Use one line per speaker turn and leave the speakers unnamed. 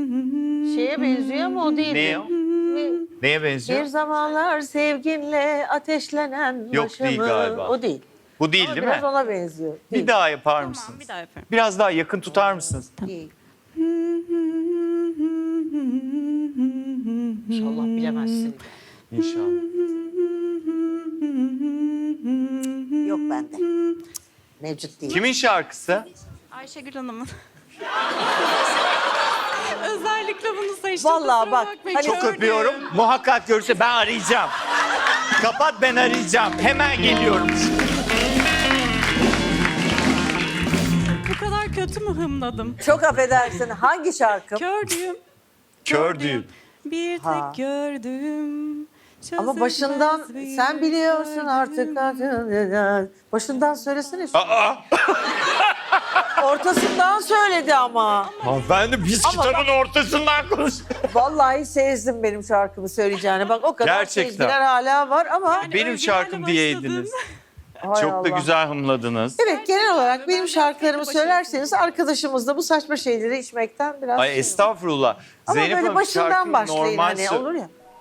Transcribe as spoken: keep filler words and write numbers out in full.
Şeye benziyor ama o değil.
Ne o? Neye benziyor?
Bir zamanlar sevginle ateşlenen
Yok,
başımı.
değil galiba.
O değil.
Bu değil
Ama
değil
biraz
mi?
ona benziyor.
Bir
Değil.
daha yapar
Tamam,
mısınız?
bir daha yaparım.
Biraz daha yakın tutar mısınız?
Değil. İnşallah bilemezsin.
İnşallah.
Yok bende. Mevcut değil.
Kimin şarkısı?
Ayşegül Hanım'ın. Özellikle bunu seçtim.
Vallahi
kusura
bak,
bakmayın.
hani-
Çok
Gördüm.
öpüyorum. Muhakkak görürse ben arayacağım. Kapat, ben arayacağım. Hemen geliyorum.
Bu kadar kötü mü hımladım?
Çok affedersin. Hangi şarkı?
Gördüğüm.
Kör
gördüğüm,
düğün.
Bir tek
Ha.
gördüm.
Ama başından sen biliyorsun artık. Başından söylesene. şu-
Aa!
Ortasından söyledi ama.
Hanımefendi biz
Ama
kitabın ortasından konuş.
Vallahi sezdim benim şarkımı söyleyeceğini. Bak o kadar
Gerçekten.
sezgiler hala var ama.
Benim
Özgür'le
şarkım
başladın.
diyeydiniz.
Hay
Çok da
Allah.
güzel hımladınız.
Evet, genel olarak benim
Ben
şarkılarımı
başarısız
söylerseniz arkadaşımız da bu saçma şeyleri içmekten biraz...
Ay
şey-
estağfurullah.
Ama
Zeynep
böyle
Hanım,
başından
şarkının
başlayın
normal
hani
sö-
olur ya.